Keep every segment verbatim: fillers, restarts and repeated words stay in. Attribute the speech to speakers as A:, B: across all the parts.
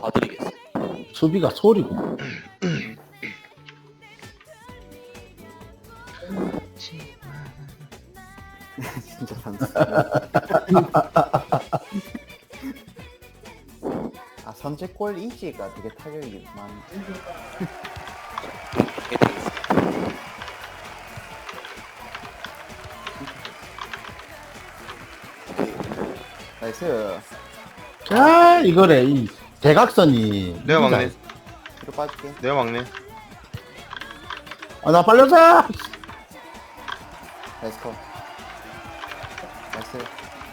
A: 봐드리겠습니다.
B: 수비가 소리고.
C: 진짜 선수. 아 선제골 이지가 되게 타격이 많.
A: 이게 되겠습니다.
C: 나이스.
B: 아, 이거래. 이 대각선이.
D: 내가 막내.
C: 뒤로 빠질게.
D: 내가 막내.
B: 아, 나 빨려자!
C: 나이스 컷. 나이스.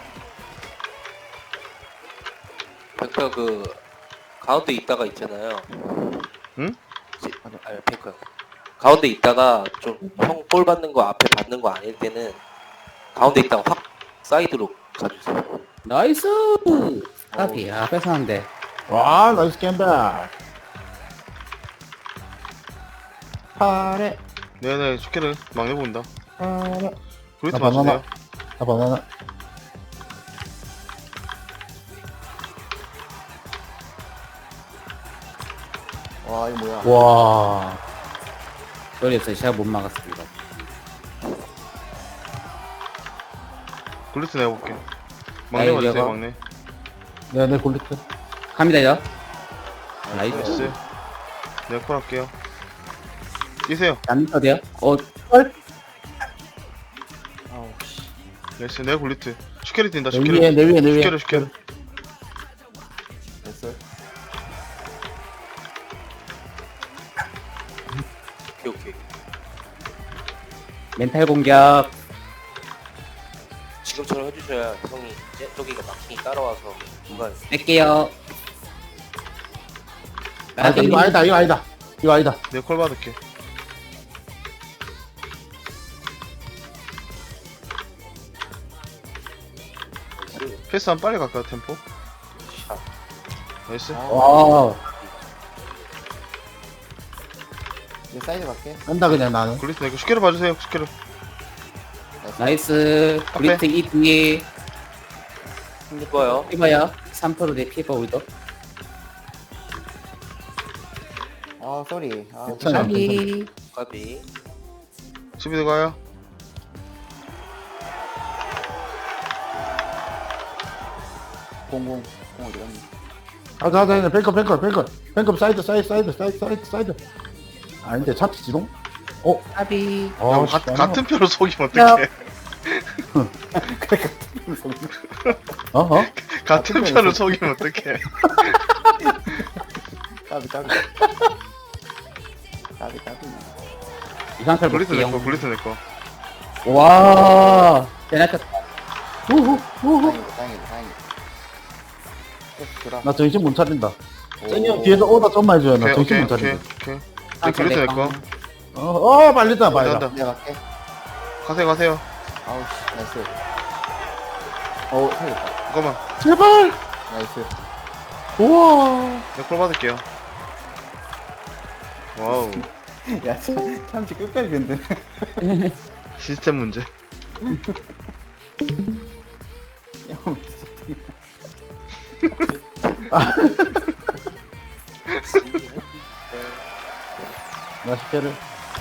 A: 백퍼 그 가운데 있다가 있잖아요.
D: 응?
A: 이제- 아니 백퍼 형. 가운데 있다가 좀 형 골 받는 거 앞에 받는 거 아닐 때는 가운데 있다가 확 사이드로 가주세요.
E: 나이스! 까비, 아, 뺏었는데.
B: 와, 나이스 겜백. 파래,
D: 네네, 축제를 막내 본다.
B: 파래.
D: 그리트
B: 아, 바나나.
D: 맞추세요.
B: 아, 바나나.
C: 와 이거 뭐야?
B: 와.
E: 그래서 제가 못 막았습니다.
D: 그리트 내가 볼게. 막내
E: 아이,
D: 맞으세요,
E: 여가.
D: 막내.
B: 네, 네, 골리트.
E: 갑니다, 이제. 나이스.
D: 나이스. 내가 콜 할게요. 뛰세요.
E: 안 어디요? 어, 헐?
C: 아우 씨.
D: 나이스. 내가 굴리트. 슈케리 뛴다,
B: 내
D: 슈케리.
B: 위에, 내 위에, 내 위에.
D: 슈케리, 슈케리.
C: 나이스.
A: 오케이 오케이.
E: 멘탈 공격.
A: 지금처럼 해주셔야 형이 이제 저기가 막힌이 따라와서 중간
E: 뺄게요.
B: 아, 이거 아니다, 이거 아니다. 이거 아니다.
D: 내가 콜 받을게.
A: 나이스
D: 패스 한 빨리 갈까, 템포?
A: 샷.
D: 나이스.
B: 와.
C: 이제 사이드 갈게.
B: 간다, 그냥 나는.
D: 굴리트 내가 슈케리 봐주세요, 슈케리.
E: 나이스. 브리트 이 뒤에.
A: 좋아요.
E: 피버요. 삼 퍼센트 내 피버 우리도.
C: 아 쏘리. 아
B: 괜찮아.
E: 까비.
A: 까비.
D: 수비 들어가요.
C: 공공 공 어디 갔니?
B: 가자, 가자, 뱅커, 뱅커, 뱅커. 뱅커 사이드, 사이드, 사이드, 사이드, 사이드, 사이드. 아닌데, 잡히지롱? 어?
E: 까비.
B: 어,
D: 야,
B: 씨,
D: 가,
B: 너무-
D: 같은 표로 속이면 어떡해.
B: 어? 어?
D: 같은 표로 속이면 어떡해.
C: 까비 까비. 까비 까비.
E: 이상탈
D: 굴리트 내 거,
E: 볼게요.
D: 굴리트 내 거.
E: 와. 대낮췄다.
B: 우후, 우후.
C: 다행이다 다행이다 다행이다. 계속 돌아.
B: 나 정신 못 차린다.
C: 오.
B: cen이 형 뒤에서 오다 좀만 해줘요. 나
D: 오케이,
B: 정신
D: 오케이,
B: 못
D: 오케이,
B: 차린다.
D: 오케이. 내
E: 아,
D: 굴리트 내 거.
B: 어, 어, 빨리다, 빨리다.
D: 간다.
C: 내가 갈게.
D: 가세요, 가세요.
C: 아우 씨 나이스. 어 살렸다.
D: 잠깐만.
B: 제발!
C: 나이스.
B: 우와.
D: 내가 콜 받을게요. 와우.
C: 야 참, 참치 끝까지 근데.
D: 시스템 문제.
C: 형
B: 나 십회를.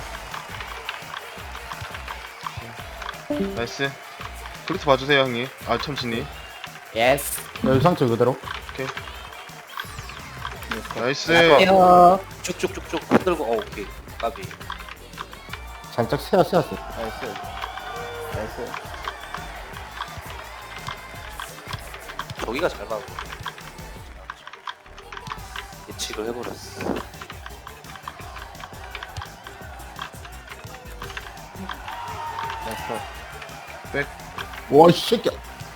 D: 나이스. 굴리트 봐주세요, 형님. 아, 참치님.
E: 예스.
B: 여기 상처 그대로.
D: 나이스.
E: 갈게요.
A: 쭉쭉쭉쭉 흔들고 어 오케이. 까비.
B: 살짝 세어, 세었어.
C: 나이스. 나이스.
A: 저기가 잘 막은 거. 예측을 해버렸어.
C: 나이스 컷.
B: 와, 이 새끼야.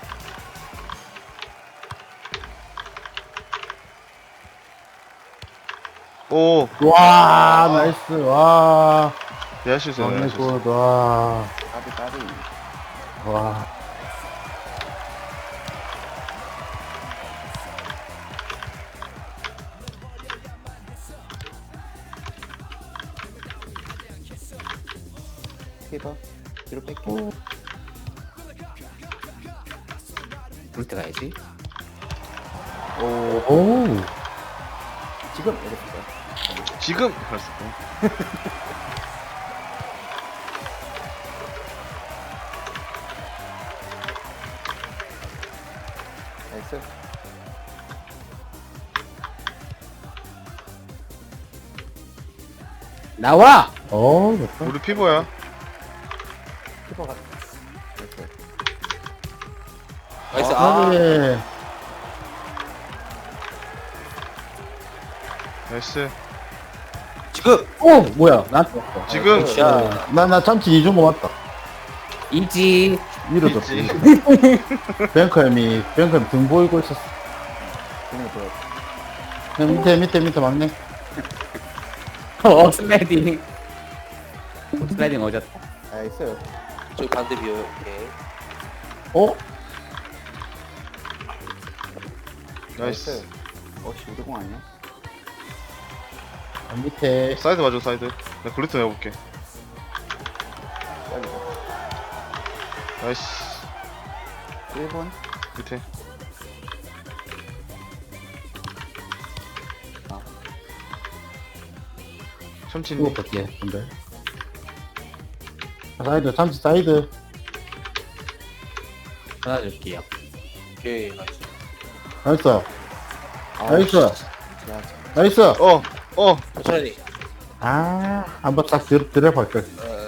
D: 오,
B: 와, 나이스. 와.
D: 내가 실수했네.
B: 막내
D: 내가 실수.
B: 굿. 와.
C: 까비 까비.
B: 와.
C: 피버. 뒤로 뺄게.
E: 브리트 가야지.
C: 오.
B: 오.
C: 지금 이랬을 거야.
D: 지금 그랬을 거.
C: 나이스.
E: 나와!
B: 어, 됐다.
D: 우리 피보야.
C: 키퍼가. 나이스.
A: 나이스.
B: 아,
A: 아,
B: 네.
D: 나이스.
A: 지금.
E: 오! 뭐야, 나한테 왔어.
D: 지금.
A: 야,
B: 나, 나 참치 이준 거 맞다.
E: 이지.
B: 밀어줬어.
D: 있지.
B: 뱅크햄이, 뱅크햄 등 보이고 있었어.
C: 그냥 보여.
B: 형, 밑에, 밑에, 밑에 막네.
E: 어, 슬라이딩. 슬라이딩 어졌다.
C: 나이스.
A: 저기 반대 비어요. 오케이.
B: 어?
D: 나이스.
C: 어씨 우리공 아니야?
B: 아, 밑에.
D: 사이드 봐줘 사이드. 나 글루트 내볼게.
C: 여기서.
D: 나이스.
C: 일 분.
D: 밑에.
C: 아.
D: 참치님.
B: 이거 볼게, 근데. 사이드, 참치 사이드.
E: 하나 줄게요.
A: 오케이. 나이스.
B: 나이스.
C: 아우,
B: 나이스.
C: 야,
B: 나이스.
D: 어. 어.
A: 천천히.
B: 아, 한번 딱 들, 들어볼 걸.
A: 어, 어.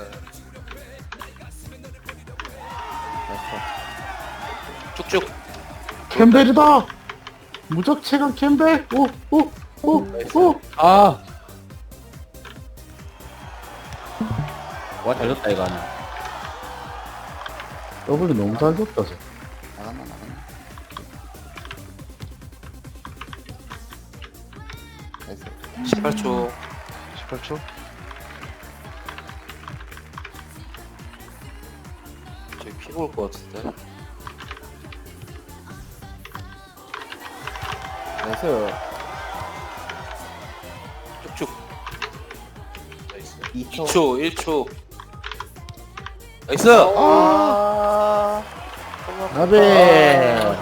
C: 나이스.
A: 쭉쭉.
B: 캠벨이다! 무적체감 캠벨! 오, 오, 오, 오!
E: 아! 와, 잘 줬다, 이거 하나.
B: 더블이 너무 잘 줬다, 쟤.
C: 나갔나 나갔나. 나이스.
A: 십팔 초.
D: 십팔 초.
A: 저기 피 볼 것 같은데.
C: 나이스.
A: 쭉쭉. 나이스.
C: 이 초.
A: 이 초, 일 초. 나이스!
C: 아.
B: 아베!